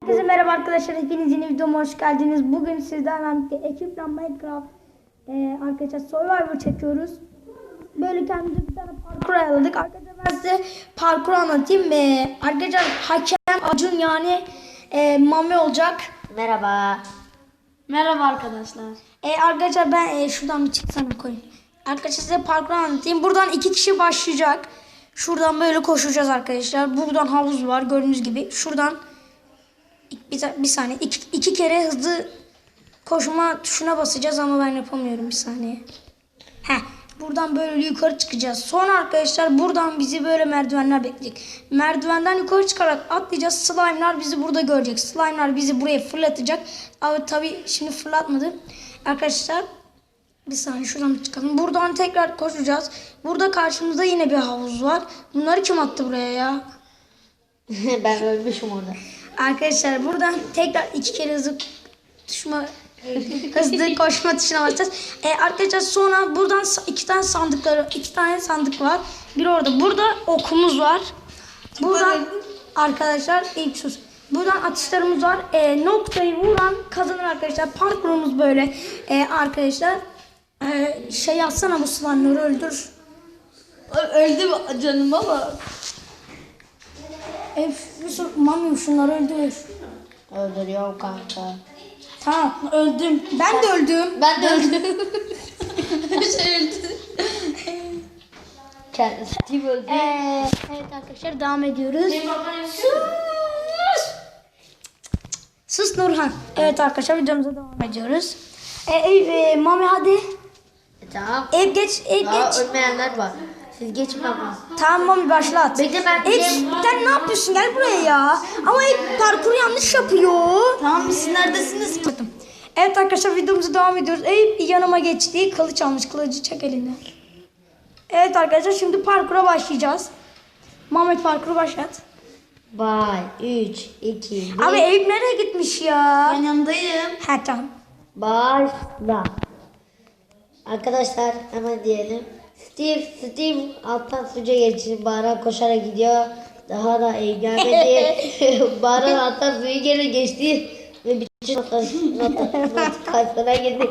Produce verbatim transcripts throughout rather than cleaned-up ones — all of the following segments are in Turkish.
Herkese merhaba arkadaşlar, hepiniz yeni videoma hoş geldiniz. Bugün sizlerle birlikte ekiple Minecraft e, arkadaşlar Survivor çekiyoruz. Böyle kendimize bir tane parkur ayarladık. Arkadaşlar ben size parkur anlatayım. E, arkadaşlar hakem Acun yani e, Mami olacak. Merhaba. Merhaba arkadaşlar. E, arkadaşlar ben e, şuradan bir çıksana koyayım. Arkadaşlar size parkur anlatayım. Buradan iki kişi başlayacak. Şuradan böyle koşacağız arkadaşlar. Buradan havuz var gördüğünüz gibi. Şuradan Bir, bir saniye. İki, iki kere hızlı koşma tuşuna basacağız ama ben yapamıyorum bir saniye. Heh. Buradan böyle yukarı çıkacağız. Sonra arkadaşlar buradan bizi böyle merdivenler bekleyecek. Merdivenden yukarı çıkarak atlayacağız. Slime'lar bizi burada görecek. Slime'lar bizi buraya fırlatacak. Ama tabii şimdi fırlatmadı. Arkadaşlar bir saniye şuradan bir çıkalım. Buradan tekrar koşacağız. Burada karşımızda yine bir havuz var. Bunları kim attı buraya ya? Ben ölmüşüm orada. Arkadaşlar buradan tekrar iki kere hızlı tuşma, hızlı koşma tuşuna basacağız. Ee, arkadaşlar sonra buradan iki tane sandıkları, iki tane sandık var. Bir orada. Burada okumuz var. Buradan arkadaşlar ilk sus. Buradan atışlarımız var. Ee, noktayı vuran kazanır arkadaşlar. Parkurumuz böyle. Ee, arkadaşlar ee, şey yazsana bu slime'ları öldür. Öldüm canım ama. E, Yusuf, Mami şunları öldür. Öldürüyorum kanka. Tamam öldüm. Ben de öldüm. Ben de öldüm. Şey öldü. Kendisi kim öldü? Ee, evet arkadaşlar devam ediyoruz. Sus. Sus Nurhan. Evet arkadaşlar videomuza devam ediyoruz. Ee, e, e, Mami hadi. E, tamam. Ev geç, ev Daha geç. ölmeyenler var. Siz geçin ama. Tamam Mami başlat. Bekle ben Ev, sen ne yapıyorsun? Gel buraya ya. Ama ev parkuru yanlış yapıyor. Tamam siz neredesiniz? Evet arkadaşlar videomuza devam ediyoruz. Eyüp yanıma geçti. Kılıç almış. Kılıcı çek elinden. Evet arkadaşlar şimdi parkura başlayacağız. Mehmet parkuru başlat. Bay üç, iki, bir. Abi Eyüp nereye gitmiş ya? Ben yanındayım. Ha tamam. Başla. Arkadaşlar hemen diyelim. Steve, Steve alttan suca geçti. Baran koşarak gidiyor. Daha da iyi gelmedi. Baran alttan suyu geri geçti. Ve bütün notasyona girdi.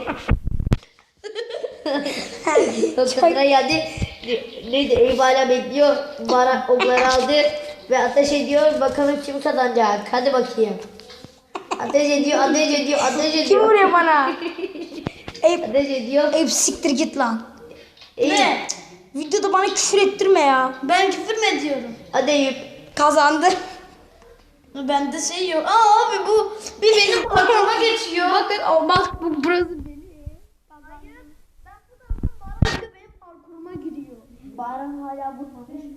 Notasyona geldi. Neydi? Eyüp hala bekliyor. Baran okları aldı. Ve ateş ediyor. Bakalım kim kazanacak. Hadi bakayım. Ateş ediyor, ateş ediyor, ateş ediyor. Kim vuruyor bana? Eyüp, Ateş ediyor. Eyüp siktir git lan. Eyüp. Ne? Videoda bana küfür ettirme ya. Ben küfür mü ediyorum? Hadi Eyüp. Kazandı. Bende şey yok. Aa abi bu bir benim parkuruma geçiyor. Bakın o bak bu burası benim. Hayır. Ben bu taraftan Baran benim parkuruma giriyor. Baran hala vurmamış.